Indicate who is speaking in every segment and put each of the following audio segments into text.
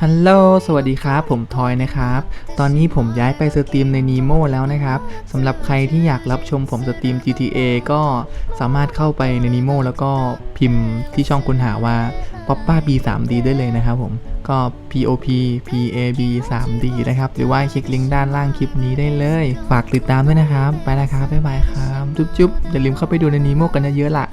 Speaker 1: ฮัลโหลสวัสดีครับผมทอยนะครับตอนนี้ผมย้ายไปสตรีมใน Nemo แล้วนะครับสำหรับใครที่อยากรับชมผมสตรีม GTA ก็สามารถเข้าไปใน Nemo แล้วก็พิมพ์ที่ช่องค้นหาว่า Poppa B 3D ได้เลยนะครับผมก็ POP PAB 3D นะครับหรือว่าคลิกลิงก์ด้านล่างคลิปนี้ได้เลยฝากติดตามด้วยนะครับไปแล้วครับบ๊ายบายครับจุ๊บๆอย่าลืมเข้าไปดูใน Nemo กันเยอะๆล่ะ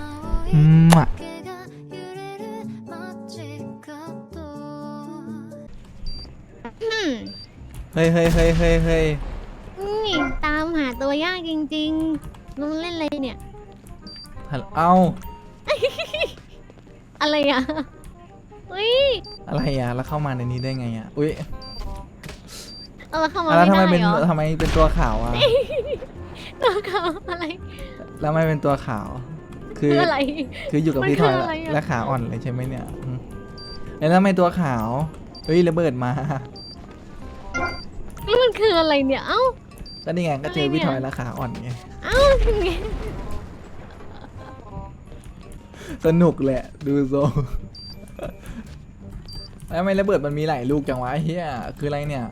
Speaker 1: เฮ้ย
Speaker 2: นี่ตามหาตัวยากจริงๆลุงเล่นอะไรเนี่ย
Speaker 1: เอา
Speaker 2: อะไรอ่ะอุ้ย
Speaker 1: อะไรอ่ะแล้วเข้ามาในนี้ได้ไงอ่ะอุ้ย
Speaker 2: เข้ามา
Speaker 1: แล้ว
Speaker 2: ไม่
Speaker 1: ทำไม
Speaker 2: ได้
Speaker 1: เป็น
Speaker 2: เหรอ
Speaker 1: ทำไมเป็นตัวขาวอ่ะ
Speaker 2: ตัวเขาอะไร
Speaker 1: แล้วไม่เป็นตัวขาว
Speaker 2: คืออะไร
Speaker 1: คืออยู่กับ
Speaker 2: มัน
Speaker 1: พี่ทอย
Speaker 2: คืออะไรอะ
Speaker 1: และขาอ่อนเลยใช่ไหมเนี่ยแล้วทำไมตัวขาวเฮ้ยระเบิดมา
Speaker 2: นี่มันคืออะไรเนี่ย เอ้า
Speaker 1: ก็นี่ไงก็เจอพี่ทอยและขาอ่อนไง
Speaker 2: เอ้าทำไง
Speaker 1: สนุกแหละดูโซแล้วทำไมระเบิดมันมีหลายลูกจังวะเฮียคืออะไรเนี่ย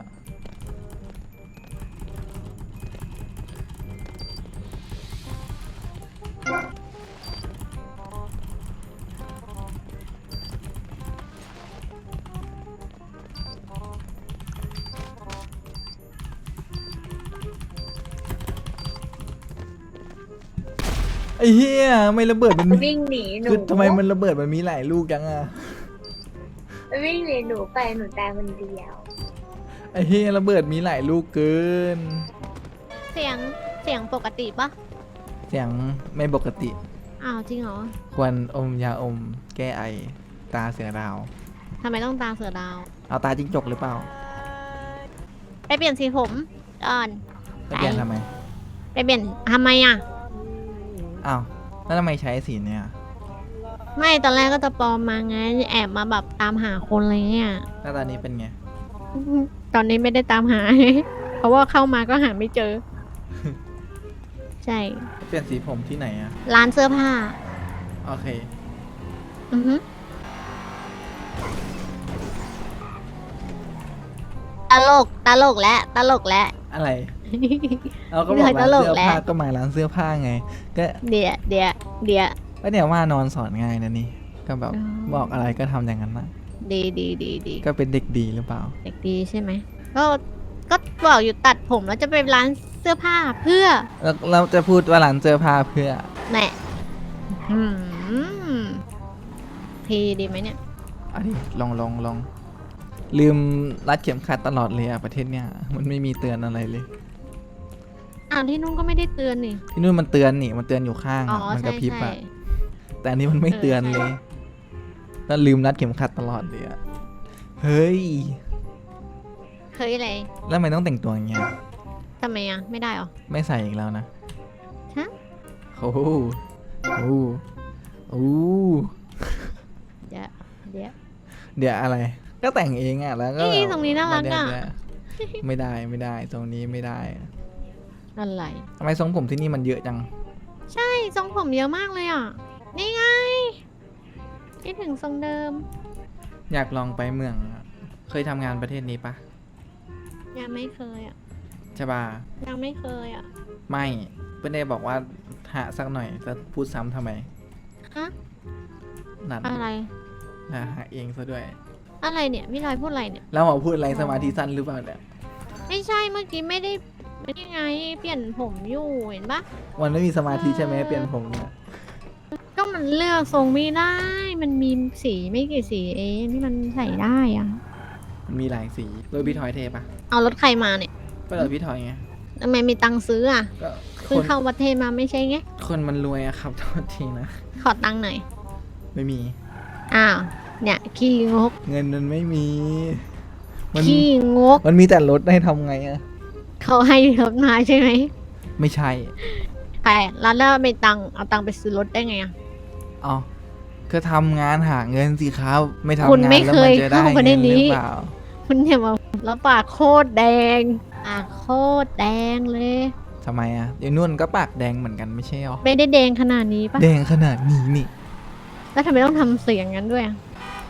Speaker 1: ไอ้เฮียไม่ระเบิดมันมี
Speaker 3: วิ่งหนีหนู
Speaker 1: คือทำไมมันระเบิดมันมีหลายลูกจังอะ
Speaker 3: วิ่งหนีหนูไปหนูตายคนเดียว
Speaker 1: ไอ้เฮียระเบิดมีหลายลูกเกิน
Speaker 2: เสียงปกติปะ
Speaker 1: เสียงไม่ปกติ
Speaker 2: อ้าวจริงเหรอ
Speaker 1: ควรอมยาอมแก้ไอตาเสือดาว
Speaker 2: ทำไมต้องตาเสือดาว
Speaker 1: เอาตาจิ้งจกหรือเปล่า
Speaker 2: ไปเปลี่ยนสีผมก่อน
Speaker 1: จะเปลี่ยนทำไม
Speaker 2: ไปเปลี่ยนทำไมอ่ะ
Speaker 1: อ้าวแล้วทำไมใช้สีเนี่ย
Speaker 2: ไม่ตอนแรกก็จะปลอมมาไงแอบมาแบบตามหาคนอะไรเงี้ย
Speaker 1: แล้วตอนนี้เป็นไง
Speaker 2: ตอนนี้ไม่ได้ตามหา เพราะว่าเข้ามาก็หาไม่เจอ ใช่
Speaker 1: เปลี่ยนสีผมที่ไหนอะ
Speaker 2: ร้านเสื้อผ้า
Speaker 1: โอเค
Speaker 2: อือฮึตลกและตลกและ
Speaker 1: อะไร เราก็บอกร้าน
Speaker 2: ตลก
Speaker 1: เสื้อ
Speaker 2: แหละ
Speaker 1: ผ้าก็มาร้านเสื้อผ้าไง ก็
Speaker 2: เดี๋ยว
Speaker 1: ก็เนี่ยว่านอนสอนง่ายนะนี่ ก็แบบ
Speaker 2: อ๋อ
Speaker 1: บอกอะไรก็ทำอย่างนั้นนะ
Speaker 2: ดี
Speaker 1: ก็เป็นเด็กดีหรือเปล่า
Speaker 2: เด็กดีใช่ไหมก็บอกอยู่ตัดผมแล้วจะไปร้านเสื้อผ้าเพื่อ
Speaker 1: แล้วเราจะพูดว่าร้านเสื้อผ้าเพื่อ
Speaker 2: แหน่หืมพีดีไหมเนี่ย
Speaker 1: อันนี้ลองลืมรัดเข็มขัดตลอดเลยอะประเทศเนี้ยมันไม่มีเตือนอะไรเลย
Speaker 2: อ้าวที่นุ่นก็ไม่ได้เตือนนี่
Speaker 1: ที่นู่นมันเตือนนี่มันเตือนอยู่ข้าง
Speaker 2: อ๋อ
Speaker 1: อะมันก
Speaker 2: ใช่
Speaker 1: ระพริบ
Speaker 2: ใช่
Speaker 1: อะแต่อันนี้มันไม่เตือนเลยแล้วลืมรัดเข็มขัดตลอดเลยอะเฮ้ย
Speaker 2: เคยอะไร
Speaker 1: แล้วทำไมต้องแต่งตัวอย่างเงี้ย
Speaker 2: ทำไมอ่ะ ไม่ได้หรอ
Speaker 1: ไม่ใส่อีกแล้วนะ
Speaker 2: ฮะ
Speaker 1: โอ้โหโอ้โห
Speaker 2: เดี๋ยว
Speaker 1: เดี๋ยวอะไร ก็แต่งเองอะแล้วก็
Speaker 2: นี่ตรงนี้น่ารักอะ
Speaker 1: ไม่ได้ตรงนี้ไม่ได้
Speaker 2: อะไร
Speaker 1: ทำไมทรงผมที่นี่มันเยอะจัง
Speaker 2: ใช่ทรงผมเยอะมากเลยอ่ะ นี่ไงคิดถึงทรงเดิม
Speaker 1: อยากลองไปเมืองอะเคยทำงานประเทศนี้ปะ
Speaker 2: ยังไม่เคยอ่ะ
Speaker 1: ใช่ปะ
Speaker 2: ยังไม่เคยอ่ะ
Speaker 1: ไม่เพื่อนได้บอกว่าหาสักหน่อยจะพูดซ้ำทำไม
Speaker 2: ฮะ
Speaker 1: นัด
Speaker 2: อะไร
Speaker 1: หาเองซะด้วย
Speaker 2: อะไรเนี่ยพี่ลอยพูดอะไรเนี่ย
Speaker 1: แล้วหมอพูดอะไรสมาธิสั้นหรือเปล่าเนี่ย
Speaker 2: ไม่ใช่เมื่อกี้ไม่ได้ยังไง เปลี่ยนผมอยู่เห็นปะ
Speaker 1: มันไม่มีสมาธิใช่ไหมเปลี่ยนผมเนี่ย
Speaker 2: ก็มันเลือกทรงไม่ได้ มันมีสีไม่กี่สีเองที่มันใส่ได้อ่ะ
Speaker 1: มันมีหลายสีรถพี่ทอยเทปะ
Speaker 2: เอารถใครมาเนี่ย
Speaker 1: ก็รถพี่ทอยไง
Speaker 2: ทำไมมีตังค์ซื้ออ่ะ
Speaker 1: ก็ค
Speaker 2: เพิ่ง
Speaker 1: น
Speaker 2: เข้าประเทศมาไม่ใช่ไง
Speaker 1: คนมันรวยอะครับโทษทีนะ
Speaker 2: ขอตังค์หน่อย
Speaker 1: ไม่มี
Speaker 2: อ้าว เนี่ยขี้งก
Speaker 1: เงินมันไม่มีมัน
Speaker 2: ขี้งก
Speaker 1: มันมีแต่รถให้ทำไงอะ
Speaker 2: เขาให้รถมาใช่ไหม
Speaker 1: ไม่ใช่
Speaker 2: แต่แล้วไม่ตังค์เอาตังค์ไปซื้อรถได้ไงอ่ะ
Speaker 1: อ๋อก็ทำงานหาเงินสิครับ ไม่ทำ
Speaker 2: คุณ
Speaker 1: งาน
Speaker 2: ไม่
Speaker 1: แล้ว
Speaker 2: เค
Speaker 1: มัน
Speaker 2: ย
Speaker 1: จะได้
Speaker 2: เข้าประเด็
Speaker 1: เงิ
Speaker 2: น
Speaker 1: นห
Speaker 2: นี้
Speaker 1: รือเปล่า
Speaker 2: คุณอย่ามาแล้วปากโคตรแดงปากโคตรแดงเลย
Speaker 1: ทำไมอะเดี๋ยวนุ่นก็ปากแดงเหมือนกันไม่ใช่หรอ
Speaker 2: ไม่ได้แดงขนาดนี้ปะ
Speaker 1: แดงขนาดนี้นี่
Speaker 2: แล้วทำไมต้องทำเสียงงั้นด้วยอะ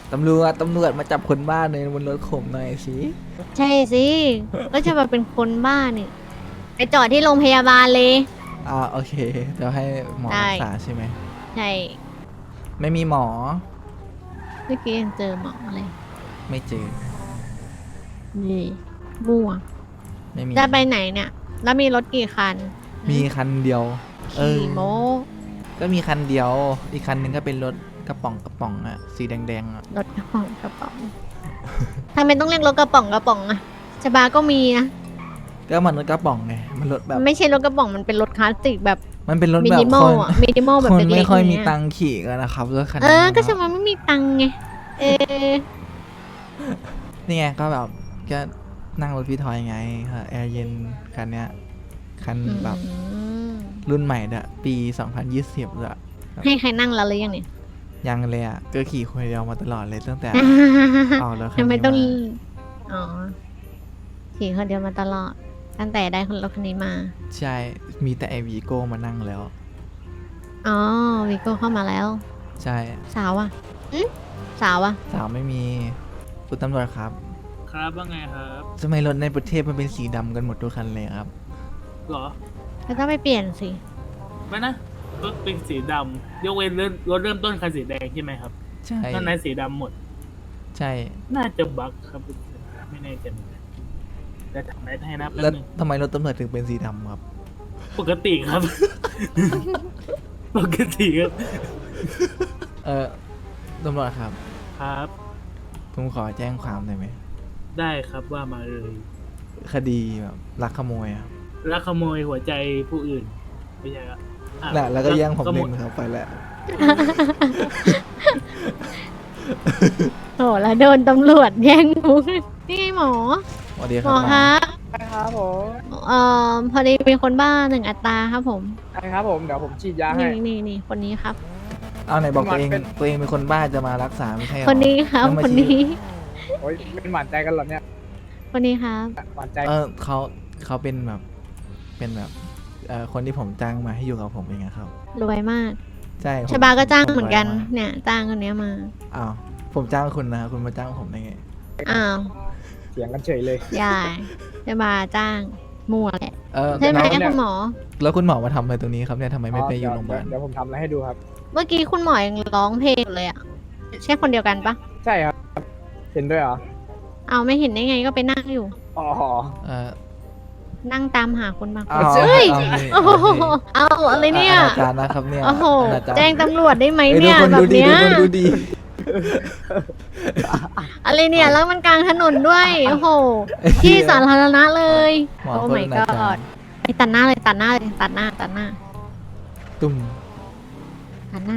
Speaker 1: ตำรวจมาจับคนบ้าในบนรถผมหน่อยสิ
Speaker 2: ใช่สิ ก็จะมาเป็นคนบ้านี่ไปจอดที่โรงพยาบาลเลย
Speaker 1: โอเคเดี๋ยวให้หมอ
Speaker 2: ได้
Speaker 1: รักษาใช่ไหม
Speaker 2: ใช่
Speaker 1: ไม่มีหมอ
Speaker 2: เมื่อกี้ยังเจอหมอเลย
Speaker 1: ไม่เจอ
Speaker 2: นี่มั่ว
Speaker 1: ไม่มี
Speaker 2: จะไปไหนเนี่ย แล้วมีรถกี่คัน
Speaker 1: มีคันเดียว
Speaker 2: ขี่โม
Speaker 1: ก็มีคันเดียว อีกคันหนึงก็เป็นรถกระป๋องอะสีแดงๆอะ
Speaker 2: รถกระป๋องทำไมต้องเรียกรถกระป๋องอะชบาก็มีนะ
Speaker 1: ก็มันรถกระป๋องไงมันรถแบบ
Speaker 2: ไม่ใช่รถกระป๋องมันเป็นรถคลาสสิกแบบ
Speaker 1: มันเป็นรถ
Speaker 2: มิ
Speaker 1: แบบ
Speaker 2: นิมอ
Speaker 1: ค
Speaker 2: ล
Speaker 1: น
Speaker 2: อะมินิมอลแบบ
Speaker 1: คน
Speaker 2: เล็กๆ
Speaker 1: ไม่ค่อยมี
Speaker 2: าง
Speaker 1: ตั
Speaker 2: เงี้
Speaker 1: งค์ขี่กันนะครับรถคัน
Speaker 2: เอ
Speaker 1: นี้
Speaker 2: อ ก็
Speaker 1: นะ
Speaker 2: ชบาไม่มีตังค์ไง เออ
Speaker 1: นี่ไงก็แบบก็นั่งรถพี่ทอยไงแอร์เย็นคันเนี้ยคันแบบรุ่นใหม่เด้อปี 2020เลยอะ
Speaker 2: ให้ใครนั่งแล้วหรือยังเนี่ย
Speaker 1: ยังเลยอะก็ขี่คนเดียวมาตลอดเลยตั้งแต่ เอาแล้วคัน
Speaker 2: ทำไม
Speaker 1: นี้
Speaker 2: ต้อง
Speaker 1: มา
Speaker 2: อ๋อ ขี่คนเดียวมาตลอด ตั้งแต่ได้คนรถคันนี้มา
Speaker 1: ใช่มีแต่ไอวีโก้มานั่งแล้ว
Speaker 2: อ๋อวิโก้เข้ามาแล้ว
Speaker 1: ใช่
Speaker 2: สาวอ่ะสาวอ่ะ
Speaker 1: สาวไม่มีคุณตำรวจครับ
Speaker 4: ครับว่าไงครับ
Speaker 1: ทำไมรถในประเทศมันเป็นสีดำกันหมดทุกคันเลยครับ
Speaker 4: หรอ
Speaker 2: ก็ต้องไปเปลี่ยนสิ
Speaker 4: ไม่นะรถเป็นสีดำยกเว้นรถเริ่มต้นคันสีแดงใช่ไหมครับ
Speaker 1: ใช่
Speaker 4: นอกนั้นสีดำหมด
Speaker 1: ใช่
Speaker 4: น่าจะบั๊กครับไม่แน่ใจเหมือนกันแต่ทำได้ให้นะแป๊บ
Speaker 1: แล้ว
Speaker 4: นึง
Speaker 1: ทำไมรถตำรวจถึงเป็นสีดำครับ
Speaker 4: ปกติครับ ปกติครับ
Speaker 1: ตำรวจครับ
Speaker 4: ครับ
Speaker 1: ผมขอแจ้งความได้ไหม
Speaker 4: ได้ครับว่ามาเลย
Speaker 1: คดีแบบลักขโมยครับ
Speaker 4: ลักขโมยหัวใจผู้อื่นไม่ใช่ครับอ่ะ
Speaker 1: น่ะแล้วก็แย่งผม
Speaker 4: ขโ
Speaker 1: เล่นครับไปแล้ว
Speaker 2: โหแล้วโดนตำรวจแย่งมุกนี่ไงหมอ
Speaker 1: สวัสดีค
Speaker 2: หม
Speaker 1: รับ
Speaker 2: อครับ
Speaker 5: ครับผม
Speaker 2: พอดีมีคนบ้าหนึ่งอัตราครับผม
Speaker 5: ใช่ครับผมเดี๋ยวผมฉีดยาให้
Speaker 2: นี่คนนี้ครับ
Speaker 1: เอาไหนบอกตัวเอง
Speaker 5: มันเป็น
Speaker 1: ตัวเองเป็นคนบ้าจะมารักษาไม่ใช่เหรอ
Speaker 2: คนนี้ครับ
Speaker 1: แล้วมา
Speaker 2: คน
Speaker 1: ชี้
Speaker 2: นี้
Speaker 5: โอ้ยเป็นหวานใจกันเหรอเนี่ย
Speaker 2: คนนี้ครับ
Speaker 5: หวานใจ
Speaker 1: เขาเป็นแบบคนที่ผมจ้างมาให้อยู่กับผมเองอะครับ
Speaker 2: รวยมาก
Speaker 1: ใช่ผม
Speaker 2: ชบาก็จ้างเหมือนกัน
Speaker 1: ผรวยา
Speaker 2: เนี่ย จ้างคนเนี้ยมา
Speaker 1: อ้าวผมจ้างคุณนะคุณมาจ้างผมได้ไง
Speaker 2: อ้าว
Speaker 5: เสียงกันเฉยเลย
Speaker 2: ยายชบาจ้างมั่วแหละ
Speaker 1: ใช่
Speaker 2: ใช่ไหม
Speaker 5: น้องเนี่ย
Speaker 2: คุณหมอ
Speaker 1: แล้วคุณหมอมาทำอะไรตรงนี้ครับเนี่ยทำไมไม่ไปอยู่โรงพยาบาล
Speaker 5: เดี๋ยวผมทำอะไรให้ดูครับ
Speaker 2: เมื่อกี้คุณหมอยังร้องเพลงเลยอ่ะ ใช่คนเดียวกันปะ
Speaker 5: ใช่ครับ เห็นด้วยเหรอ
Speaker 2: เอาไม่เห็นได้ไงก็ไปนั่งอยู่
Speaker 5: อ๋อ
Speaker 1: เอ่อ
Speaker 2: นั่งตามหาคนบางค
Speaker 1: เอา
Speaker 2: น
Speaker 1: เอา
Speaker 2: เฮ้ย
Speaker 1: เอา
Speaker 2: โอ้โหเอาอะไรเนี่ย
Speaker 1: อนาจารนะครับเนี่ย
Speaker 2: โอ้โห
Speaker 1: อนาจาร
Speaker 2: แจ้งตำรวจได้ไหม
Speaker 1: เอ้ย
Speaker 2: เนี่ย
Speaker 1: ดูคน
Speaker 2: แบ
Speaker 1: ดู
Speaker 2: บ
Speaker 1: ดี
Speaker 2: เนี้ย
Speaker 1: ดูคนดูดี
Speaker 2: อะไรเนี่ยแล้วมันกลางถนนด้วย โอ้โห
Speaker 1: ไอ้เหี้ย
Speaker 2: ที่สาธารณะเลย
Speaker 1: หมอ
Speaker 2: โอ้
Speaker 1: คน
Speaker 2: my
Speaker 1: อนาจาร
Speaker 2: god ไปตัดหน้าเลยตัดหน้าเลยตัดหน้า
Speaker 1: ตุ้ม
Speaker 2: ตัดหน้าตัดหน้า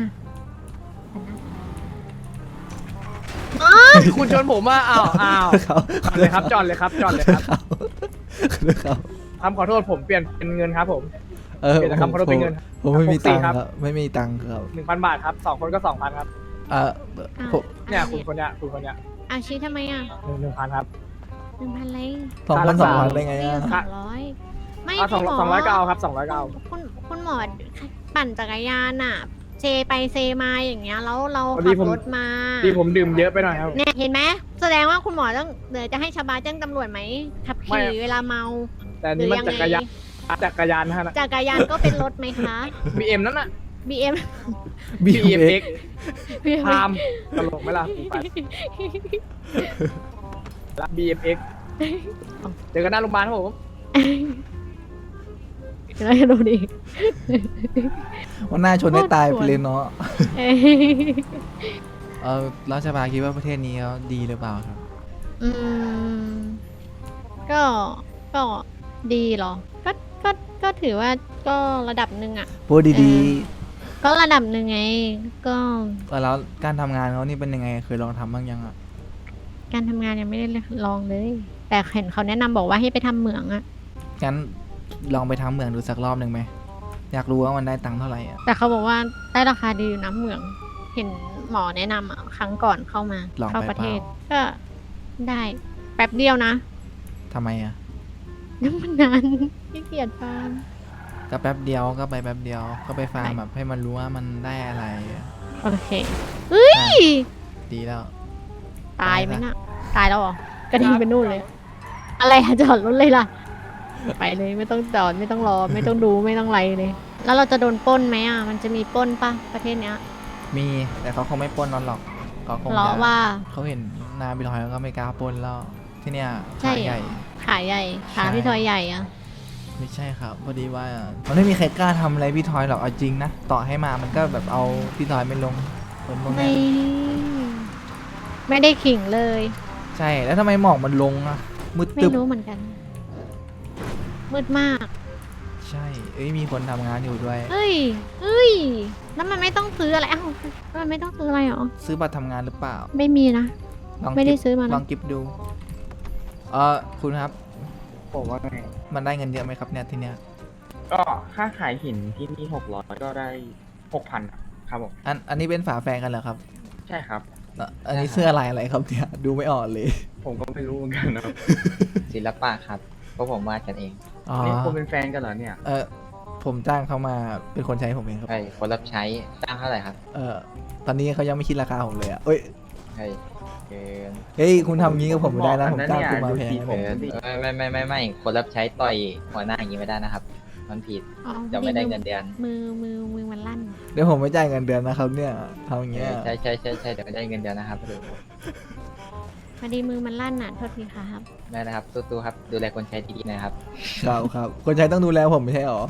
Speaker 5: คุณชนผมว่าอ้าว
Speaker 1: เขา
Speaker 5: จอดเลยครับจอดเลยครับจอดเลยครับ
Speaker 1: เขา
Speaker 5: คำขอโทษผมเปลี่ยนเป็นเงินครับผม
Speaker 1: เออ
Speaker 5: เปลี่ยนจากคำขอโทษเป็นเงิน
Speaker 1: ผมไม่มีตังค์
Speaker 5: ครับ
Speaker 1: ครับไม่มีตังค์ครับ
Speaker 5: 1,000 บาทครับ2 คนก็ 2,000 ครับ
Speaker 1: ผม
Speaker 5: เนี่ยคุณคนเนี้ยคุณคนเนี้ย
Speaker 2: อาชีทำไมอ่ะ
Speaker 5: 1,000 ครับ
Speaker 2: 1,000เลย
Speaker 1: 2,200ได้ไง
Speaker 2: ไม่
Speaker 1: อ่ะ
Speaker 2: 200ไม่
Speaker 5: เอา
Speaker 2: คุณหมอ
Speaker 5: 200ก็เอาครับ200ก็เอา
Speaker 2: คุณหมอปั่นจักรยานอ่ะเซไปเซมาอย่างเงี้ยแล้วเรา
Speaker 5: พอดี
Speaker 2: ขับ
Speaker 5: ผม
Speaker 2: รถมา
Speaker 5: ที่ผมดื่มเยอะไปหน่อยครับ
Speaker 2: เนี่ยเห็นไหมแสดงว่าคุณหมอต้องเดี๋ยวจะให้ชาวบ้านแจ้งตำรวจไหมขับ
Speaker 5: ไม่
Speaker 2: ขี่เวลาเมา
Speaker 5: แต่อัน
Speaker 2: หรื
Speaker 5: นี่
Speaker 2: อ
Speaker 5: มัน
Speaker 2: ยัง
Speaker 5: จักรยานนะฮะ
Speaker 2: จักรยานก็เป็นรถไหมคะ
Speaker 5: BM นั่นน่ะ
Speaker 2: BM
Speaker 5: BMX
Speaker 2: BM
Speaker 5: พามตลกไหมล่ะไปละ BMX เจอกันหน้าโรงพยาบาลครับผม
Speaker 2: แล้วดูดิ
Speaker 1: วันหน้าชนให้ตายไปเลยเนาะ
Speaker 2: เอ้ย
Speaker 1: รัฐบาลคิดว่าประเทศนี้เขาดีหรือเปล่าครับ
Speaker 2: อืมก็ดีเหรอ ก็ถือว่าก็ระดับหนึ่งอ่ะ
Speaker 1: พูดดี
Speaker 2: ก็ระดับหนึ่งไง ก็
Speaker 1: ๆแล้วการทำงานเขานี่เป็นยังไงเคยลองทำบ้างยังอ่ะ
Speaker 2: การทำงานยังไม่ได้ลองเลย แต่เห็นเขาแนะนำบอกว่าให้ไปทำเหมืองอะ
Speaker 1: งั้นลองไปทำเหมืองดูสักรอบหนึ่งไหมอยากรู้ว่ามันได้ตังค์เท่าไหร่อ่ะ
Speaker 2: แต่เขาบอกว่าได้ราคาดีอยู่นะเหมือง เห็นหมอแนะนำอะครั้งก่อนเข้ามา
Speaker 1: ลอง
Speaker 2: เข้า
Speaker 1: ไป
Speaker 2: ประ
Speaker 1: เป
Speaker 2: เท
Speaker 1: ล่า
Speaker 2: ศ ก็ได้แป๊บเดียวนะ
Speaker 1: ทำไมอ่ะ
Speaker 2: ยังมันนานขี้เกียจฟัง
Speaker 1: ก็แป๊บเดียวก็ไปแป๊บเดียวก็ไปฟาร์มแบบให้มันรู้ว่ามันได้อะไรอะ
Speaker 2: โอเคเฮ้ย
Speaker 1: ดีแล้ว
Speaker 2: ตายไหมน่ะ ตายแล้วเหรอกระดิ่งไปนู่นเลย อะไรอะจอดรถเลยล่ะ ไปเลยไม่ต้องจอดไม่ต้องรอ ไม่ต้องดูไม่ต้องไรเลย แล้วเราจะโดนปล้นไหมอ่ะ มันจะมีปล้นปะประเทศเนี้ย
Speaker 1: มีแต่เขาคงไม่ปล้นนอนหรอกเขาคง
Speaker 2: เพราะ
Speaker 1: จะ
Speaker 2: ว่า
Speaker 1: เขาเห็นหนาพี่ทอยแล้วก็ไม่กล้าปล้นแล้วที่เนี่ย
Speaker 2: ใช่
Speaker 1: ขาย
Speaker 2: เหรอ
Speaker 1: ใหญ่
Speaker 2: ขาใหญ่ขา
Speaker 1: ใช่
Speaker 2: พี่ทอยใหญ่อ่ะ
Speaker 1: ไม่ใช่ครับพอดีว่ามันไม่มีใครกล้าทำอะไรพี่ทอยหรอกเอาจริงนะต่อให้มามันก็แบบเอาพี่ทอยไม่ลงคนพวก
Speaker 2: ไม่
Speaker 1: เนี้ย
Speaker 2: ไม่ได้ขิงเลย
Speaker 1: ใช่แล้วทำไมหมอกมันลงอะมืด
Speaker 2: ไม่
Speaker 1: ตึบ
Speaker 2: รู้เหมือนกัน มืดมาก
Speaker 1: ใช่เอ้ยมีคนทำงานอยู่ด้วย
Speaker 2: เฮ้ยเฮ้ย แล้วมันไม่ต้องซื้ออะไรอ้าวมันไม่ต้องซื้ออะไรหรอ
Speaker 1: ซื้อบัตรทำงานหรือเปล่า
Speaker 2: ไม่มีนะ
Speaker 1: ลอง
Speaker 2: ไม่ได้
Speaker 1: กิ๊บ
Speaker 2: ซื้อมานะ
Speaker 1: ลองกิฟดูคุณครับ
Speaker 5: ผมว่าไง
Speaker 1: มันได้เงินเยอะไหมครับเนี่ยที่เนี้ย
Speaker 5: ก็ค่าขายหินที่นี่600ก็ได้6,000ครับผม
Speaker 1: อันนี้เป็นฝาแฝดกันเหรอครับ
Speaker 5: ใช่ครับ
Speaker 1: อันนี้เสื้อลายอะไรครับเนี่ยดูไม่ออกเลย
Speaker 5: ผมก็ไม่รู้เหมือนกันนะครับ
Speaker 6: ศิลปะครับเพราะผมวาดกันเอง
Speaker 1: อ๋อ
Speaker 5: นี่คุณเป็นแฟนกันเหรอเนี่ย
Speaker 1: ผมจ้างเขามาเป็นคนใช้ผมเองครับ
Speaker 6: ใช่คนรับใช้จ้างเท่าไหร่ครับ
Speaker 1: ตอนนี้เขายังไม่คิดราคาผมเลยอ่ะเอ้ย
Speaker 6: ใช่เกิน
Speaker 1: เฮ้ยคุณทำงี้กับผมไม่ได้นะผมจ้างคุณมาแพงนะ
Speaker 5: ผ
Speaker 1: ผม
Speaker 6: ไม่คนรับใช้ต่อยหัวหน้าอย่างนี้ไม่ได้นะครับ มันผิด
Speaker 2: อ๋อ
Speaker 6: จะไม่ได้เงินเดือน
Speaker 2: มือมันลั่น
Speaker 1: เดี๋ยวผมไม่จ่ายเงินเดือนนะครับเนี่ยทำอย่างเงี้ย
Speaker 6: ใช่เดี๋ยวไม่ได้เงินเดือนนะครับ
Speaker 2: พอดีมือมันลั่นน่ะโทษทีครับ
Speaker 6: ได้นะครับสู้ๆครับดูแลคนใช้ดีๆนะครับ
Speaker 1: ครับคนใช้ต้องดูแลผมไม่ใช่หรอ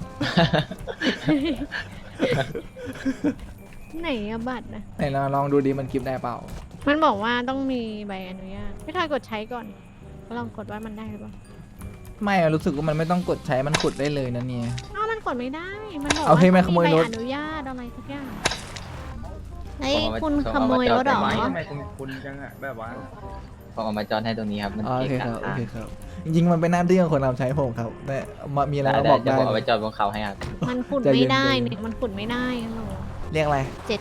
Speaker 2: ไหนอะบัตรนะ
Speaker 1: ไหนลองดูดิมันกิฟได้เปล่า
Speaker 2: มันบอกว่าต้องมีใบอนุญาตพี่ทอยกดใช้ก่อนลองกดว่ามันได้หรือเปล่า
Speaker 1: ไม่รู้สึกว่ามันไม่ต้องกดใช้มันกดได้เลยนะเนี่ย
Speaker 2: อ้าวมันกดไม่ได้ มันบอก
Speaker 1: เอา
Speaker 2: ว่า
Speaker 1: ให้
Speaker 2: ต้อง
Speaker 1: มาขโมยรถ
Speaker 2: ใบอนุญาตอะไรสักอย่างเฮ้ย
Speaker 6: ผมเอามา
Speaker 2: คุณขโมยรถเหรอ
Speaker 6: ผมเอามาจอดไว้
Speaker 5: ทำไมคุณจังอะแบบว่า
Speaker 6: ผมเอามาจอนให้ตรงนี้ครับมัน
Speaker 1: โอ
Speaker 6: เกะ
Speaker 1: เค
Speaker 6: กะ
Speaker 1: ครับโอ
Speaker 6: ทาง
Speaker 1: เคครับจริงๆมันเป็นหน้าที่ของคนรับใช้ผมครับแต่มีอะไร
Speaker 6: ได้
Speaker 1: มาบอก
Speaker 6: เดี๋ยว
Speaker 1: ได้
Speaker 6: ผมเอาไปจอดบนเขาให้ครับ
Speaker 2: มันขุด
Speaker 1: ใจเย็
Speaker 2: ไม่
Speaker 1: น
Speaker 2: ได้
Speaker 1: ใจเย็น
Speaker 2: เนี่ยมันขุดไม่ได้ฮัลโหล
Speaker 1: เรียกอะไร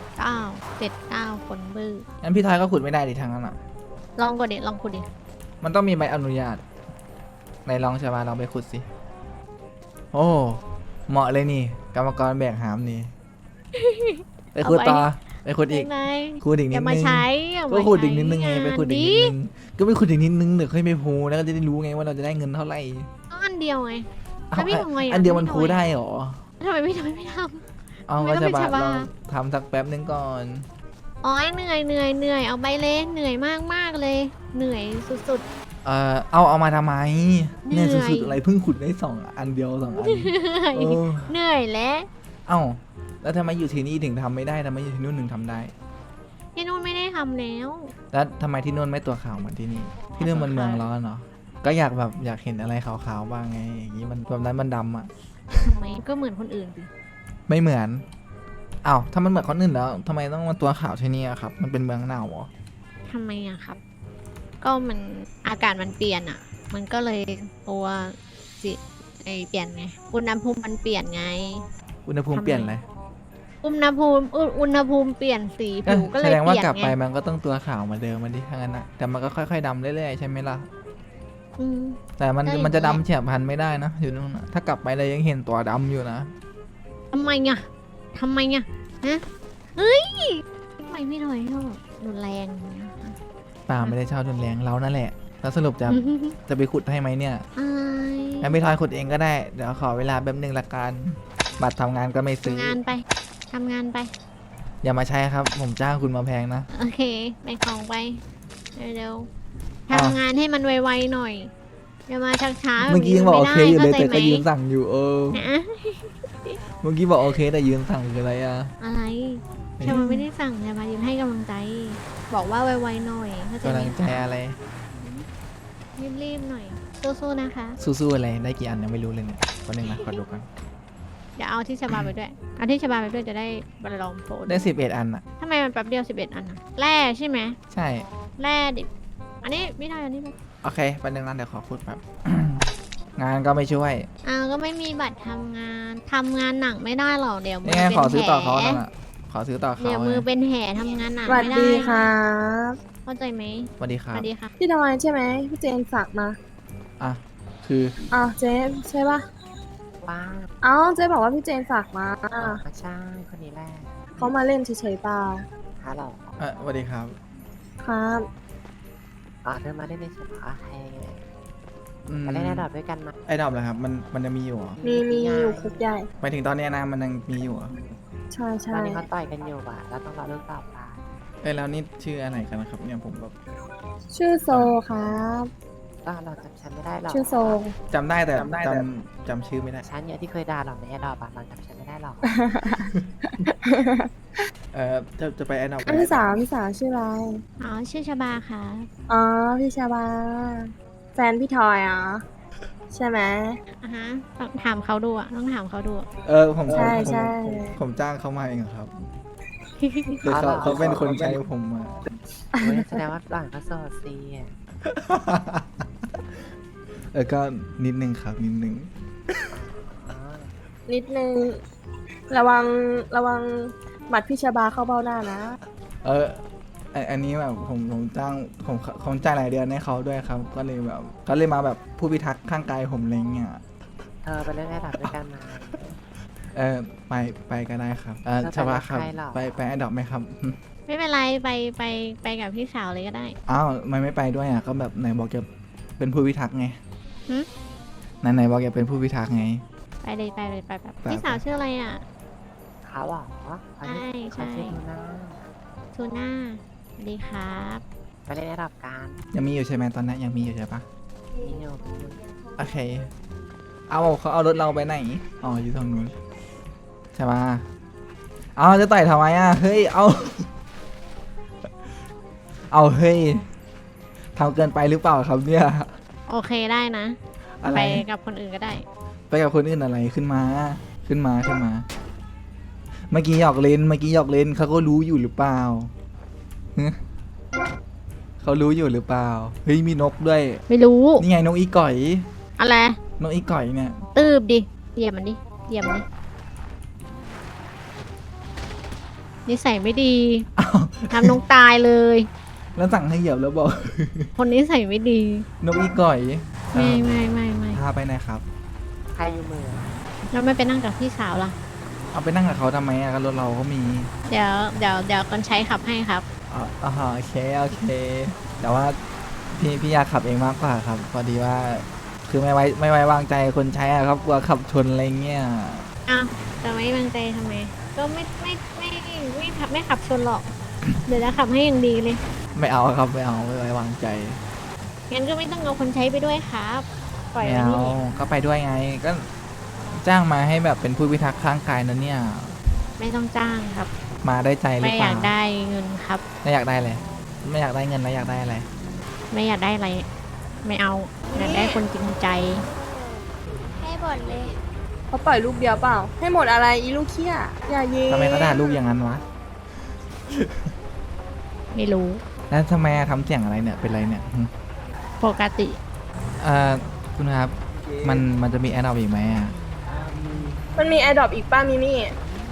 Speaker 2: 79คนบื้อ
Speaker 1: งั้นพี่ทอยก็ขุดไม่ได้ดิทางนั้นอ่ะ
Speaker 2: ลองกดดิลองขุดดิ
Speaker 1: มันต้องมีใบอนุญาตไหนลองใช่ไหมลองไปขุดสิโอ้เหมาะเลยนี่กรรมกรแบกหามนี่ไปขุดต่อไปขุดอีก
Speaker 2: ไหน
Speaker 1: ขุดอีก
Speaker 2: อ
Speaker 1: นิด
Speaker 2: ย่ามา
Speaker 1: นึง
Speaker 2: ใช้อย่า
Speaker 1: ก็
Speaker 2: มา
Speaker 1: ขุดอีกนิดนึงไง
Speaker 2: ใช้
Speaker 1: ไปขุดอีกนิดนึงก็ไปขุดอีกนิดนึงเดี๋ยวค่อยไปพูแล้วก็จะได้รู้ไงว่าเราจะได้เงินเท่าไหร่
Speaker 2: เอาอันเดียวไง
Speaker 1: เอา
Speaker 2: ถ้าพี่ทำไงอ่ะ
Speaker 1: อันเดียวมัน
Speaker 2: พี่ทำ
Speaker 1: พู
Speaker 2: ไง
Speaker 1: ได้เหรอ
Speaker 2: ทำไมไม่ท
Speaker 1: เอา
Speaker 2: ไม่
Speaker 1: ก็
Speaker 2: ต้อง
Speaker 1: จะ
Speaker 2: เป็น
Speaker 1: บา
Speaker 2: ชาวบ้าน
Speaker 1: ลองทำสักแป๊บนึงก่อน
Speaker 2: ำอ๋อเหนื่อยเอาไปเลยเหนื่อยมากเลย เหนื่อยสุด
Speaker 1: เอามาทำไม
Speaker 2: เหนื่
Speaker 1: เนี่
Speaker 2: อย ย
Speaker 1: สุดๆอะไรเพิ่งขุดได้2 อันเดียว2 อัน
Speaker 2: ๆเหนื่อย
Speaker 1: เออ
Speaker 2: เหนื่อยแล้ว
Speaker 1: เอ้าแล้วทำไมอยู่ที่นี่ถึงทำไม่ได้ทำไมอยู่ที่นู่นถึงทำได้
Speaker 2: ที่นู่นไม่ได้ทำแล้ว
Speaker 1: แล้วทำไมที่นู่นไม่ตัวขาวเหมือนที่นี่ที่นู่นมันเมืองร้อนเนาะก็อยากแบบอยากเห็นอะไรขาวๆบ้างไงอย่างนี้มันแบบนั้นมันดำอ่ะ
Speaker 2: ทำไมก็เหมือนคนอื่นสิ
Speaker 1: ไม่เหมือนอ้าวถ้ามันเหมือนคนอื่นแล้วทำไมต้องมาตัวขาวที่นี่อะครับ มันเป็นเมืองหนาวเหรอ
Speaker 2: ทำไมอะครับ ก็มันอากาศมันเปลี่ยนอะมันก็เลยตัวสิเปลี่ยนไงอุณหภูมิมันเปลี่ยนไง
Speaker 1: อุณหภูมิเปลี่ยนเลย
Speaker 2: อุณหภูมิเปลี่ยนสีผิวก็เลย
Speaker 1: แสดงว่า
Speaker 2: เปลี่ยน
Speaker 1: กลับไป
Speaker 2: ไง
Speaker 1: มันก็ต้องตัวขาวเหมาเดิมมันดิถ้างั้นนะแต่มันก็ค่อยๆดำเรื่อยๆใช่ไหมล่ะ
Speaker 2: อืม
Speaker 1: แต่มัน
Speaker 2: ก็อย่าง
Speaker 1: มันจะ
Speaker 2: เงี้ย
Speaker 1: ดำเฉียบพลันไม่ได้นะอยู่นู่นนะถ้ากลับไปเลยยังเห็นตัวดำอยู่นะ
Speaker 2: ทำไมอะทำไมอะฮะเฮ้ยทำไมพี่ถอยชอบรุนแรงอย่างเงี้ย
Speaker 1: ป่าไม่ได้ชอบรุนแรงเรานั่นแหละแล้วสรุปจะไปขุดให้ไหมเนี่ย
Speaker 2: อาย
Speaker 1: งั้นพี่ทอยขุดเองก็ได้เดี๋ยวขอเวลาแป๊บนึงละกันบัตรทำงานก็ไม่ซื้อ
Speaker 2: ทำงานไปทำงานไป
Speaker 1: อย่ามาใช้ครับ ผมจ้างคุณมาแพงนะ
Speaker 2: โอเคไปของไปเร็วๆ
Speaker 1: อ่ะ
Speaker 2: ทำงานให้มันไวๆหน่อยอย่ามาช้าๆ
Speaker 1: เมื่อกี้ยังบอกโอเคอยู่เลย
Speaker 2: ข้า
Speaker 1: แต่
Speaker 2: ใจ
Speaker 1: ก็
Speaker 2: ไหม
Speaker 1: ยืนสั่งอยู่
Speaker 2: นะ
Speaker 1: เมื่อกี้บอกโอเคแต่ยืนสั่งคืออะไรอ่ะ
Speaker 2: อะไรชามาไม่ได้สั่งชามายืนให้กำลังใจ บอกว่าไวๆหน่อยเข้าใจ
Speaker 1: กำ
Speaker 2: ไหม
Speaker 1: ลังใจอะไร
Speaker 2: รีบๆหน่อยสู้ๆนะคะ
Speaker 1: สู้ๆอะไรได้กี่อันยังไม่รู้เลยเนี่ยวันหนึ่งนะขอดูกัน
Speaker 2: เดี๋ยวเอาที่ชาบาไปด้วยเอาที่ชาบาไปด้วยจะได้บรรลองโฟน
Speaker 1: ได้11 อันอ่ะ
Speaker 2: ทำไมมันแป๊บเดียว11 อันอะแร่ใช่ไหม
Speaker 1: ใช่
Speaker 2: แร่ดิบอันนี้ไม่ได้อันนี้ไม่
Speaker 1: โอเคแป๊บนึงนะเดี๋ยวขอพูดแบบ งานก็ไม่ช่วย
Speaker 2: อ้าวก็ไม่มีบัตรทำงานหนักไม่ได้หรอกเดี๋ยวมื
Speaker 1: นี่
Speaker 2: อ
Speaker 1: ไง
Speaker 2: เป็น
Speaker 1: ขอซื้อต่อ
Speaker 2: แผล
Speaker 1: เขานั่นอ่ะขอซื้อต่อเขา
Speaker 2: เดี๋ยวมือเป็นแผลทำงานหนัก
Speaker 3: สวัส
Speaker 2: ไม่ได้
Speaker 3: ดีครับ
Speaker 2: เข้าใจไหม
Speaker 1: สวัสดีค
Speaker 2: ส
Speaker 1: รับ
Speaker 2: วัสดีค่ะ
Speaker 3: พี่ดอยใช่ไหมพี่เจนฝากมา
Speaker 1: อ่ะคือ
Speaker 3: อ้าวเจนใช่ปะ
Speaker 7: ว้า
Speaker 3: เอ้าเจนบอกว่าพี่เจนฝากมา
Speaker 7: ใช่คนนี้แหละ
Speaker 3: เขามาเล่นเฉยๆเปล่า
Speaker 7: ฮัลโหล
Speaker 1: สวัสดีครับ
Speaker 3: ครับ
Speaker 7: เธอมาได้ในสุดโอเค
Speaker 1: อืม
Speaker 7: ไปเล่นแอดดอปด้วยกันไหม
Speaker 1: ไอ้ดอกเหรอครับมันจะมีอยู่เหรอ
Speaker 3: มีอยู่คุกใหญ่
Speaker 1: หมายถึงตอนเนี้ยนะมันยังมีอยู่เหรอ
Speaker 3: ใช่
Speaker 7: ต
Speaker 3: ใช่
Speaker 7: อนนี้เขาต่อยกันอยู่อ่ะเราต้องรอเรื่องต่อไป
Speaker 1: แล้วนี่ชื่ออะไรกันนะครับเนี่ยผมแบบ
Speaker 3: ชื่อโซครับ
Speaker 7: ก็เราจำฉันไม่ได้หรอก
Speaker 3: ชื่อโซ
Speaker 1: จำได้แต่จำชื่อไม่ได้
Speaker 7: ฉันเนี่ยที่เคยด่าเราในแอดดอปเราจำฉันไม่ได้หรอก
Speaker 1: จะไปไอ้ดอก
Speaker 3: พี่สาวชื่ออะไร
Speaker 2: อ๋อ ชื่อชบาค่ะ
Speaker 3: อ๋อพี่ชาบา แฟนพี่ทอยอ่ะใช่ไหม
Speaker 2: อ่ะฮะ ต้องถามเขาดูอ่ะ ต้องถามเขาดูอะ
Speaker 1: ผม
Speaker 3: ใช่ใช่
Speaker 1: ผมจ้างเขามาเองครับคือเขาเป็นคนใช้ผมมา
Speaker 7: เว้ยแสดงว่าหลังก็โสดซีอ่ะ
Speaker 1: ก็นิดนึงครับนิดนึง
Speaker 7: อ๋อ
Speaker 3: นิดนึงระวังหมัดพี่ชาบาเข้าเบ้าหน้านะ
Speaker 1: อันนี้แบบผมจ้างผมจ่ายหลายเดือนให้เขาด้วยครับ ก็เลยแบบก็เลยมาแบบผู้พิทักษ์ข้างกายผมอะไรเงี้ย
Speaker 7: เธอไปเล่นแอดดอปด้วยกันไหม
Speaker 1: ไปก็ได้ครับ
Speaker 7: แล้วไป
Speaker 1: ชบาครับ
Speaker 7: กับใครเหรอ
Speaker 1: ไปแอดดอกไหมครับ
Speaker 2: ไม่เป็นไร ไปกับพี่สาวเลยก็ได้
Speaker 1: อ้าวไม่ไปด้วยอ่ะก็แบบไหนบอกจะเป็นผู้พิทักษ์ไง
Speaker 2: หึ
Speaker 1: ไหนบอกจะเป็นผู้พิทักษ์ไง
Speaker 2: ไปเลยไปเลยไปแบบ
Speaker 1: ไป
Speaker 2: พี่สาวชื่ออะไรอ่ะ
Speaker 7: เขาเหรอเขาชื่อ
Speaker 2: ใช่
Speaker 7: เขาชื่อทูน่า
Speaker 2: ทูน่าสวัสดีครับ
Speaker 7: ไปเล่นแอดดอปกัน
Speaker 1: ยังมีอยู่ใช่ไหมตอนนั้นยังมีอยู่ใช่ปะ
Speaker 7: นี่โยม
Speaker 1: โอเคเขาเอารถเราไปไหนอ๋ออยู่ทางนู้นใช่ปะเอาจะต่อยทำไมอ่ะเฮ้ยเอาเฮ้ยทำเกินไปหรือเปล่าครับเนี่ย
Speaker 2: โอเคได้นะ
Speaker 1: อะไร
Speaker 2: ไปกับคนอื่นก็ได้
Speaker 1: ไปกับคนอื่นอะไรขึ้นมา เมื่อกี้หยอกเล่นเขาก็รู้อยู่หรือเปล่าฮะเขารู้อยู่หรือเปล่าเฮ้ยมีนกด้วย
Speaker 2: ไม่รู้
Speaker 1: นี่ไงนกอีก่อย
Speaker 2: อะไร
Speaker 1: นกอีก่อยเนี่ย
Speaker 2: ตืบดิเหยียบมันดิเหยียบมันดินิสัยไม่ดี
Speaker 1: อ้าว
Speaker 2: ทำน้องตายเลย
Speaker 1: แล้วสั่งให้เหยียบแล้วบอก
Speaker 2: คนนิสัยไม่ดี
Speaker 1: นกอีก่อย
Speaker 2: ไม่
Speaker 1: พาไปไหนครับ
Speaker 7: ใครอยู่มือ
Speaker 2: แล้วไม่ไปนั่งกับพี่สาวล่ะ
Speaker 1: เอาไปนั่งกับเขาทำไมอะก็รถเราก็มี
Speaker 2: เดี๋ยวคนใช้ขับให้ครับ
Speaker 1: อ๋อโอเคแต่ว่าพี่อยากขับเองมากกว่าครับ พอดีว่า คือไม่ไว้วางใจคนใช้อะครับกลัวขับชนอะไรเงี้ย
Speaker 2: อ้าวจะไม่วางใจทำไม ก็ไม่ขับชนหรอก เดี๋ยวจะขับให้อย่างดีเลย
Speaker 1: ไม่เอาครับไม่ไว้วางใจ
Speaker 2: งั้นก็ไม่ต้องเอาคนใช้ไปด้วยครับ ปล่อย
Speaker 1: ไม่
Speaker 2: ไว้
Speaker 1: เอา
Speaker 2: นี่
Speaker 1: ก็ไปด้วยไง ก็จ้างมาให้แบบเป็นผู้พิทักษ์ข้างกายนะเนี่ย
Speaker 2: ไม่ต้องจ้างครับ
Speaker 1: มาได้ใจหรือ
Speaker 2: ไม่
Speaker 1: เป
Speaker 2: อ
Speaker 1: ล่า
Speaker 2: ยากได้เงินครับ
Speaker 1: ไม่อยากได้เลยไม่อยากได้เงินแล้วอยากได้อะไร
Speaker 2: ไม่อยากได้อะไร ไม่เอา อยากได้คนจริงใจ
Speaker 3: ให้หมดเลยเขาปล่อยลูกเดียวเปล่า ให้หมดอะไรอีลูกเขี้ยอย่าเย่
Speaker 1: ทำไมเขาด่าลูกอย่างนั้นวะ
Speaker 2: ไม่รู้
Speaker 1: แล้วทำไมทำเสียงอะไรเนี่ยเป็นไรเนี่ยหึ
Speaker 2: ปกติ
Speaker 1: คุณครับ มันจะมีแอดอออีกไหมอะ
Speaker 3: มันมีแอร์ดรอปอีกป้ามิมี่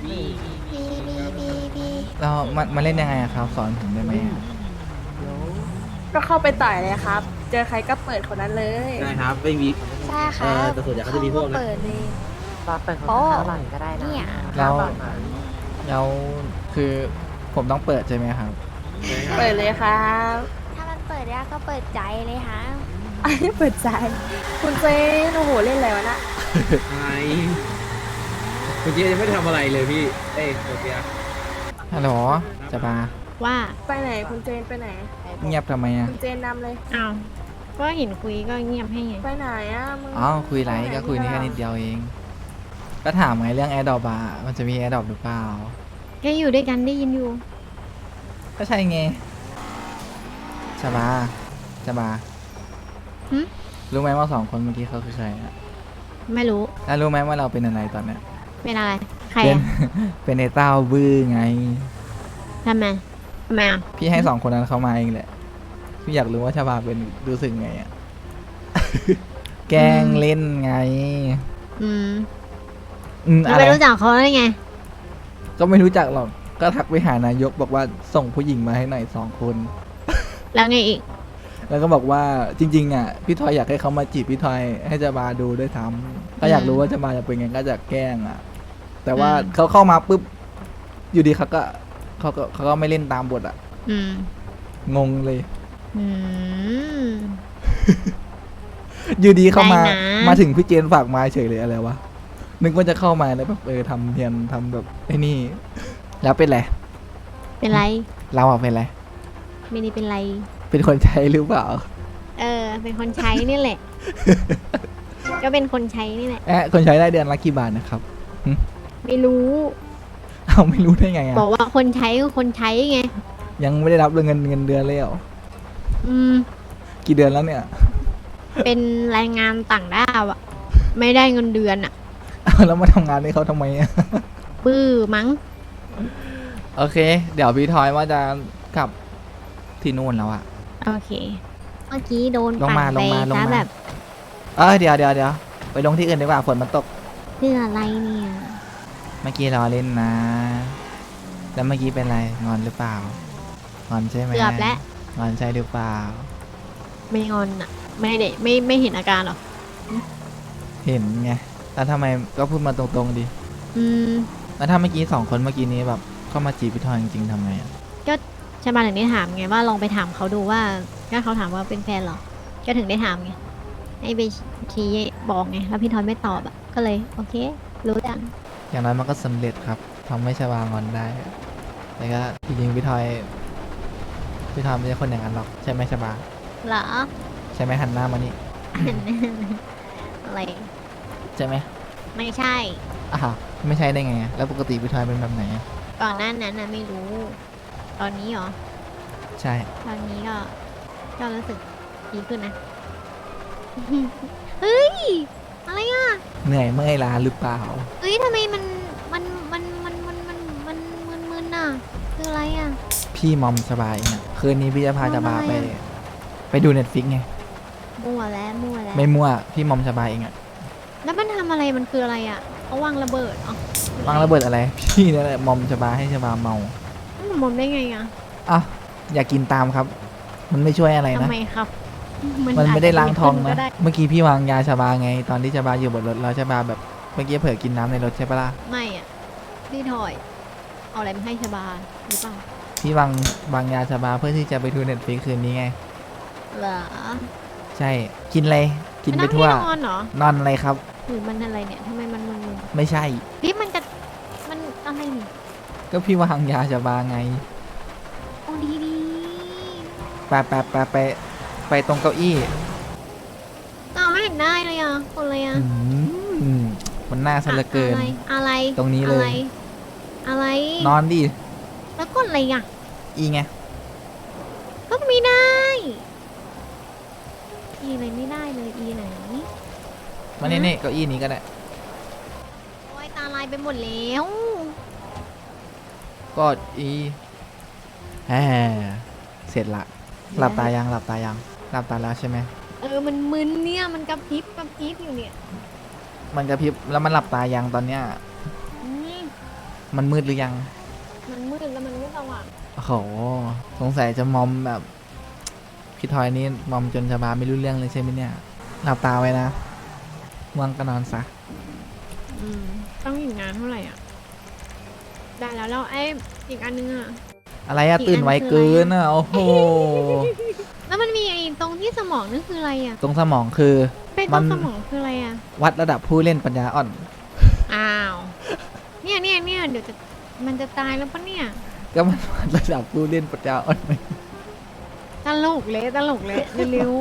Speaker 1: แล้วมันเล่นยังไงอะครับ สอนผมได้ไหมอะ
Speaker 3: ก็เข้าไปต่อยเลยครับ เจอใครก็เปิดคนนั้นเลย
Speaker 4: ใช่ครับ ไม่มี
Speaker 3: ใช่ครับ
Speaker 4: แต่ส่วนใหญ่เขาจะมีพวกนั้น
Speaker 3: เปิดเลย
Speaker 7: ตอนเปิดของ
Speaker 3: โอ้
Speaker 7: เขาหลังก็ได้นะ
Speaker 3: เนี่ย
Speaker 1: แล้ว
Speaker 7: ก่อนไหม
Speaker 1: แล้วคือผมต้องเปิดใช่ไหมครับ
Speaker 3: เปิดเลยครับ
Speaker 8: ถ้ามันเปิดได้ก็เปิดใจเลยฮะ
Speaker 3: อันนี้เปิดใจ คุณเจนโอ้โหเล่นอะไรวะน่ะ
Speaker 4: ไอ้คุณเจ๊ยังไม่ได้ทำอะไรเลยพี่ เอ้ยโอเค
Speaker 1: ฮัลโหลจะมา
Speaker 2: ว่า
Speaker 3: ไปไหนคุณเจนไปไหน
Speaker 1: เงียบทำไมอะ
Speaker 3: คุณเจนนำเลย
Speaker 2: อ้าวก็เห็นคุยก็เงียบให้ไง
Speaker 3: ไปไหนอ่ะมึง
Speaker 1: อ๋อคุยไรก็คุยแค่นิดเดียวเอง ก็ถามไงเรื่องแอร์ดรอปอะมันจะมีแอร์ดรอปหรือเปล่า
Speaker 2: แค่อยู่ด้วยกันได้ยินอยู่
Speaker 1: ก็ใช่ไงจะมา
Speaker 2: หึ
Speaker 1: รู้ไหมว่าสองคนเมื่อกี้เขาคือใครอะ
Speaker 2: ไม่รู้
Speaker 1: แล้วรู้ไหมว่าเราเป็นอะไรตอนเนี้ย
Speaker 2: เป็นอะไร ใคร
Speaker 1: เป็น
Speaker 2: อะ
Speaker 1: เป็นไอ้เต้าบื้อไง
Speaker 2: ทำไมอ่ะ
Speaker 1: พี่ให้สองคนนั้นเขามาเองแหละ พี่อยากรู้ว่าชาบาเป็นรู้สึกไงอะ แกล้งเล่นไง
Speaker 2: อืม
Speaker 1: อะ
Speaker 2: เรา
Speaker 1: ไร
Speaker 2: ไปรู้จักเขาได้ไง
Speaker 1: ก็ไม่รู้จักหรอก ก็ทักไปหานายกบอกว่าส่งผู้หญิงมาให้หน่อย2 คน
Speaker 2: แล้วไงอีก
Speaker 1: แล้วก็บอกว่าจริงๆอ่ะพี่ทอยอยากให้เขามาจีบพี่ทอยให้จะมาดูด้วยซ้ำก็อยากรู้ว่าจะมาจะเป็นไงก็จะแกล้งอ่ะ แต่ว่า
Speaker 2: อืม
Speaker 1: เขาเข้ามาปุ๊บอยู่ดีเขาก็ไม่เล่นตามบทอ่ะ
Speaker 2: อืม
Speaker 1: งงเลย
Speaker 2: อืม
Speaker 1: อยู่ดีเข้ามา
Speaker 2: ได้นะ
Speaker 1: มาถึงพี่เจนฝากมาเฉยเลยอะไรวะ นึกว่าจะเข้ามาแล้วแบบทำเทียนทำแบบไอ้นี่ แล้วเป็นไร
Speaker 2: เป็นไร
Speaker 1: เราอะเป็นไร
Speaker 2: ไม่ได้เป็นไร
Speaker 1: เป็นคนใช้หรือเปล่า
Speaker 2: เป็นคนใช้นี่แหละ ก็เป็นคนใช้นี่แหละ
Speaker 1: คนใช้ได้เดือนละกี่บาทนะครับ
Speaker 2: ไม่รู้
Speaker 1: เอาไม่รู้ได้ไงอะ
Speaker 2: บอกว่าคนใช้ก็คนใช้ไง
Speaker 1: ยังไม่ได้รับเงินเดือนเลยเหรอ
Speaker 2: อืม
Speaker 1: กี่เดือนแล้วเนี่ย
Speaker 2: เป็นแรงงานต่างด้าวอะไม่ได้เงินเดือนอะ
Speaker 1: แล้วมาทำงานให้เขาทำไมอะ
Speaker 2: ปื้อมั้ง
Speaker 1: โอเค เดี๋ยวพี่ทอยว่าจะกลับที่นู่นแล้วอะ
Speaker 2: โอเค เมื่อกี้โดน
Speaker 1: ลง
Speaker 2: ปั่น
Speaker 1: มา
Speaker 2: ไป
Speaker 1: ลงมา
Speaker 2: ซะแบบ
Speaker 1: เดี๋ยวไปลงที่อื่นดีกว่าฝนมันตก
Speaker 2: เพื่ออะไรเนี่ย
Speaker 1: เมื่อกี้เราเล่นนะ แล้วเมื่อกี้เป็นไร งอนหรือเปล่า งอนใช่ไหม
Speaker 2: เกือบแล้ว
Speaker 1: งอนใช่หรือเปล่า
Speaker 2: ไม่งอนอะไม่ได้ไม่เห็นอาการหรอ
Speaker 1: เห็นไง แล้วทำไมก็พูดมาตรงๆดิ
Speaker 2: อืม
Speaker 1: แล้วถ้าเมื่อกี้2 คนเมื่อกี้นี้แบบเข้ามาจีบพี่ทอยจริงๆทำไงอะ
Speaker 2: ก็ชาบาถึงได้ถามไงว่าลองไปถามเขาดูว่าถ้าเขาถามว่าเป็นแฟนเหรอ ก็ถึงได้ถามไงให้ไปชี้บอกไงแล้วพี่ทอยไม่ตอบอะก็เลยโอเค รู้จัง
Speaker 1: อย่างน้อยมันก็สำเร็จครับทำให้ชวางอนได้ แต่ก็จริงๆพี่ทอยไม่ใช่คนอย่างนั้นหรอกใช่ไหมชบา
Speaker 2: เหรอ
Speaker 1: ใช่ไหมหันหน้ามานี่
Speaker 2: อะไร
Speaker 1: ใช่ไหม
Speaker 2: ไม่ใช่
Speaker 1: ไม่ใช่ได้ไงอะแล้วปกติพี่ทอยเป็นแบบไหนอะ
Speaker 2: ก่อนหน้านั้นนะไม่รู้ ตอนนี้เหรอ
Speaker 1: ใช่
Speaker 2: ตอนนี้ก็รู้สึกดีขึ้นนะ เฮ้ย อะไรอ่ะ
Speaker 1: เหนื่อยเมื่อยล้าหรือเปล่า
Speaker 2: เฮ้ยทำไมมันมึนอ่ะ คืออะไรอ่ะ
Speaker 1: พี่มอมสบายเนี่ยคืนนี้พี่จะพาจะบา
Speaker 2: ทำไมอะ
Speaker 1: ไปดูเน็ตฟิกไง
Speaker 2: มั่วแล้ว
Speaker 1: ไม่มั่วพี่มอมสบายเองอะ
Speaker 2: แล้วมันทำอะไรมันคืออะไรอ่ะเขาวางระเบิดอ๋อ
Speaker 1: วางระเบิดอะไร พี่นั่นแหละมอมสบายให้สบาเมา
Speaker 2: มันมอมได้ไงอ่ะ
Speaker 1: อยากกินตามครับ มันไม่ช่วยอะไร
Speaker 2: ทำ
Speaker 1: นะ
Speaker 2: ไมครับ
Speaker 1: มันไม่ได้ล้างท้อง
Speaker 2: ก็
Speaker 1: นะ
Speaker 2: ได้
Speaker 1: เมื่อกี้พี่วางยาชาบาไง ตอนที่ชาบาอยู่บนรถแล้วชาบาแบบเมื่อกี้เผลอกินน้ำในรถใช่ปะล่ะ
Speaker 2: ไม่อ่ะ พี่ถอย เอาอะไรมาให้ชาบาหรือเปล่า
Speaker 1: พี่วางยาชาบาเพื่อที่จะไปดูเน็ตฟลิกคืนนี้ไง
Speaker 2: เหรอ
Speaker 1: ใช่ กินอะไรกินไปทั่ว
Speaker 2: มันต้องให้นอนเหรอ
Speaker 1: นอนอะไรครับ
Speaker 2: หรือมันอะไรเนี่ยทำไมมันมึน
Speaker 1: ไม่ใช่
Speaker 2: ๆพี่มันจะมันอะไรนี่
Speaker 1: ก็พี่วางยาชาบาไง
Speaker 2: โอ้ดี
Speaker 1: ไปตรงเก้าอี้
Speaker 2: ๆเอาไม่เห็นได้เลยอ่ะคนอะไรอ่ะ
Speaker 1: มันน่าสะเหลือเกิน
Speaker 2: อะไร
Speaker 1: ตรงนี้เลย
Speaker 2: อะไร
Speaker 1: นอนดิ
Speaker 2: แล้วกดอะไรอ่ะ
Speaker 1: อีไง
Speaker 2: ก็ไม่ได้อีอะไรไม่ได้เลยอีไหน
Speaker 1: มานี่เก้าอี้นี้ก็ได้
Speaker 2: โอ้ยตาลายไปหมดแล้ว
Speaker 1: ก็อีแหมเสร็จละ หลับตายังหลับตาแล้วใช่ไหม
Speaker 2: มันมึนเนี่ยมันกระพริบอยู่เนี่ย
Speaker 1: มันกระพริบแล้วมันหลับตายังตอนเนี้ย
Speaker 2: อืม
Speaker 1: มันมืดหรือยัง
Speaker 2: มันมืดแล้วมันไม่สว่าง
Speaker 1: โอ้โห สงสัยจะมอมแบบพี่ทอยนี่มอมจนชาบาไม่รู้เรื่องเลยใช่ไหมเนี่ย หลับตาไว้นะง่วงก็นอนซะ
Speaker 2: ต้องอีกนานเท่าไหร่อ่ะ ได้แล้วไอ้อีกอันนึงอ่ะ
Speaker 1: อะไรอะ
Speaker 2: อีกอัน
Speaker 1: ตื่นไวเกินอะโอ้โห
Speaker 2: แล้วมันมีไอ้ตรงที่สมองนั่นคืออะไรอ่ะ
Speaker 1: ตรงสมองคือ
Speaker 2: เป็นตรงสมองคืออะไรอ่ะ
Speaker 1: วัดระดับผู้เล่นปัญญาอ่อน
Speaker 2: อ้าว เนี่ยเดี๋ยวมันจะตายแล้วปะเนี่ย
Speaker 1: ก็มันวัดระดับผู้เล่นปัญญาอ่อนไหม
Speaker 2: ตลกเลยเร็ว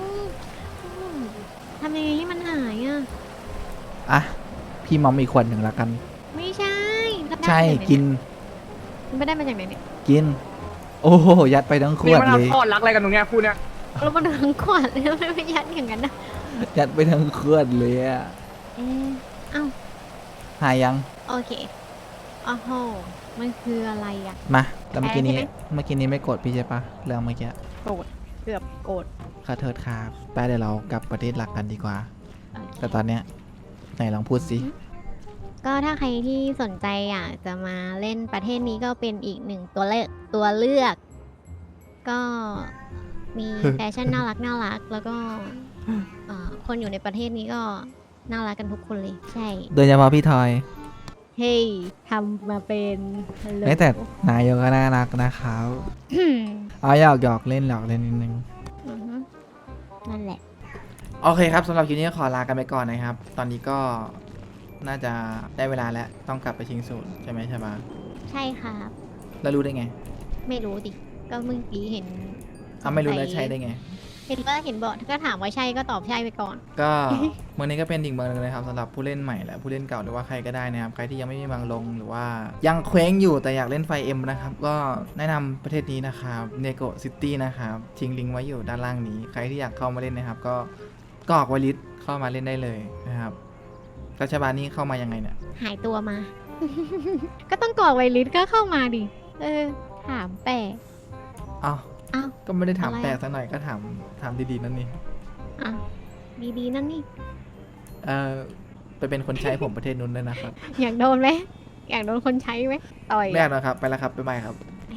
Speaker 2: ๆทำยังไงให้มันหายอ่ะ
Speaker 1: อ่ะ พี่มอมอีกขวดหนึ่งละกัน
Speaker 2: ไม่ใช่แล้วได้
Speaker 1: ใช่
Speaker 2: มาจากไห
Speaker 1: กิน
Speaker 2: มันไม่ได้มาจากไหนเนี่ย
Speaker 1: กิน โอ้โห ยัดไปทั้งข
Speaker 5: นี่
Speaker 1: วด
Speaker 5: มัน
Speaker 1: เล
Speaker 5: เอา
Speaker 1: ย
Speaker 5: ทอดรักอะไรกันตรงเนี้ยคู่เนี้ย
Speaker 2: แล้วมันทั้งขวดเลยไม่ยัดอย่างนั้นนะ
Speaker 1: ยัดไปทั้งขวดเลยอะ
Speaker 2: เอ้า
Speaker 1: หายยัง
Speaker 2: โอเคโอ้โหมันคืออะไรอ่ะ
Speaker 1: มา แล้วเมื่อกี้นี้
Speaker 2: ใช่ไหม
Speaker 1: เมื่อกี้นี้ไม่กดพี่ใช่ปะเรื่องเมื่อกี้
Speaker 2: โกรธเกือบโกรธ
Speaker 1: ขอโทษครับไปเดี๋ยวเรากลับประเทศหลักกันดีกว่า
Speaker 2: โอเค
Speaker 1: แต่ตอนเนี้ยไหนลองพูดสิ
Speaker 2: ก็ถ้าใครที่สนใจอยากจะมาเล่นประเทศนี้ก็เป็นอีกหนึ่งตัวเลือก ก็มีแฟชั่นน่ารักแล้วก็คนอยู่ในประเทศนี้ก็น่ารักกันทุกคนเลย ใช่
Speaker 1: โดยเฉพาะพี่ทอย
Speaker 2: เฮ้ยทำมาเป็นฮัลโหล
Speaker 1: แต่นายกก็น่ารักนะครับ
Speaker 2: อืม
Speaker 1: เอาหยอกเล่นนิดนึง
Speaker 2: อือฮึนั่นแหละ
Speaker 1: โอเคครับสำหรับคลิปนี้ขอลากันไปก่อนนะครับ ตอนนี้ก็น่าจะได้เวลาแล้วต้องกลับไปชิงสูตรใช่ไหมใช่ปะ
Speaker 2: ใช่ครับ
Speaker 1: แล้วรู้ได้ไง
Speaker 2: ไม่รู้ดิ ก็เมื่อกี้เห็น
Speaker 1: ไม่รู้แล้วใช่ได้ไง
Speaker 2: เห็นบอกก็ถามว่าใช่ก็ตอบใช่ไปก่อน
Speaker 1: ก็ เมืองนี้ก็เป็นอีกเมืองหนึงนะครับสำหรับผู้เล่นใหม่และผู้เล่นเก่าหรือว่าใครก็ได้นะครับใครที่ยังไม่มีเมืองลงหรือว่ายังเคว้งอยู่แต่อยากเล่นไฟเอ็มนะครับก็แนะนำประเทศนี้นะครับเนโกซิตี้นะครับทิ้งลิงก์ไว้อยู่ด้านล่างนี้ ใครที่อยากเข้ามาเล่นนะครับ ก็กรอกไวลิสเข้ามาเล่นได้เลยนะครับรัชบาลนี้เข้ามายังไงเนี่ย
Speaker 2: หายตัวมา ก็ต้องกรอกไวลิสก็เข้ามาดิ ถามแปลก
Speaker 1: อ้าว
Speaker 2: อ้าว
Speaker 1: ก็ไม่ได้ถาม
Speaker 2: อะไรอะ
Speaker 1: แปลกสักหน่อยก็ถามดีๆนั่นนี่
Speaker 2: อ่ะดีๆนั่นนี่
Speaker 1: ไปเป็นคนใช้ผมประเทศนู้นด้วยนะครับ
Speaker 2: อยากโดนไหมอยากโดนคนใช้ไหมต่อย
Speaker 1: ไม่อยากนะครับไปแล้วครับบ๊ายบายครับ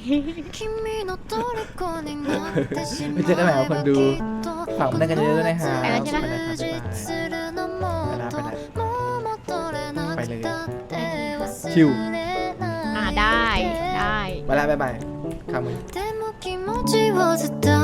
Speaker 8: ไม่เจอกันใหม่ครับคนดู
Speaker 1: ฝากมาเล่นกันเยอะๆด้วยนะครับ
Speaker 2: ไปแล้วใช่ไหม
Speaker 1: ไปแล้วครับบ๊ายบายไปเลยชิว
Speaker 2: ได้
Speaker 1: ไปแล้วบ๊ายบายข้ามมือ
Speaker 8: でも気持ちは伝